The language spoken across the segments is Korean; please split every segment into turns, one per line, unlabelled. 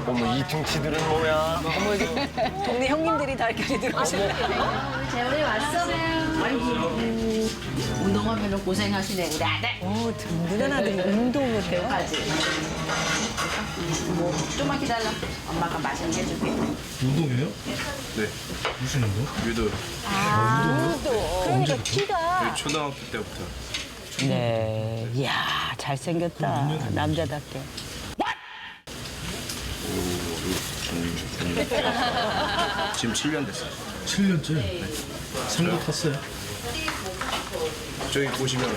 어머, 이 등치들은 뭐야?
어머, 이게 동네 형님들이 다 이렇게 들어오시네.
재훈이 왔어? 아이고, 운동하면 고생하시네, 우리 아들.
오, 든든한 아들이 운동을 해요.
까지. 뭐, 좀만 기다려. 엄마가 맛있는 거 해줄게.
운동이에요?
네,
무슨 운동?
유도.
그러니까 키가.
초등학교 때부터.
네, 이야 잘생겼다 남자답게.
지금 7년 됐어요.
7년째? 상도 탔어요?
저기 보시면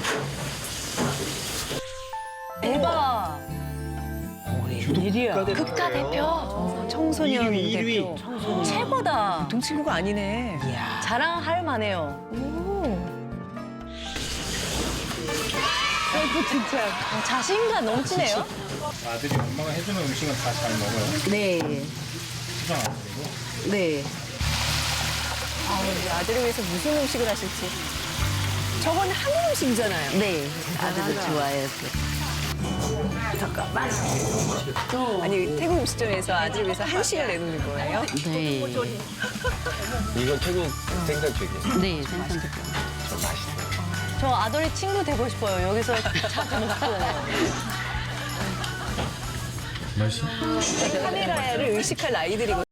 대박.
일이야.
국가대표. 청소년 대표. 최고다. 동 친구가 아니네.
이야.
자랑할 만해요. 아이고 진짜 자신감 넘치네요.
아들이 엄마가 해주는 음식은 다 잘 먹어요.
네,
수상 안 그리고.
네.
아, 우리 아들을 위해서 무슨 음식을 하실지. 저건 한국 음식이잖아요.
네, 아들도 좋아해요.
아니 태국 음식점에서 아들을 위해서 한식을 내놓는 거예요?
네.
이건 태국 생선튀김.
네, 생선도.
좀 맛있어요.
저 아들이 친구 되고 싶어요. 여기서 자주 먹고.
맛있어?
카메라를 의식할 아이들이거든요.